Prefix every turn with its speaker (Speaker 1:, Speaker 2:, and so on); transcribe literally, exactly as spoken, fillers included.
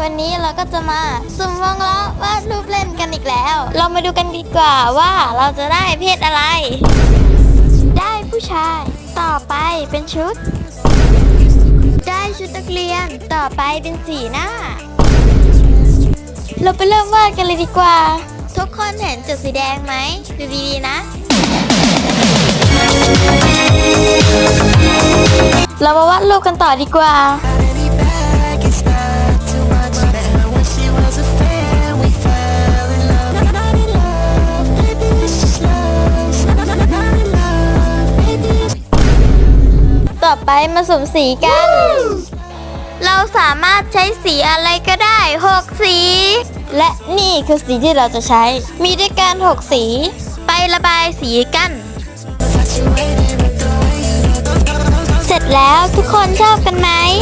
Speaker 1: วันนี้เราก็จะมาสุ่มวงล้อวาดรูปเล่นกันอีกแล้ว เรามาดูกันดีกว่าว่าเราจะได้เพศอะไร ได้ผู้ชายต่อไปเป็นชุด ได้ชุดนักเรียนต่อไปเป็นสีหน้า เราไปเริ่มวาดกันเลยดีกว่า ทุกคนเห็นจุดสีแดงไหมดูดีๆนะ เรามาวาดรูปกันต่อดีกว่าต่อไปมาสุ่มสีกัน เราสามารถใช้สีอะไรก็ได้หกสี และนี่คือสีที่เราจะใช้ มีด้วยกันหกสี ไประบายสีกัน เสร็จแล้วทุกคนชอบกันไหม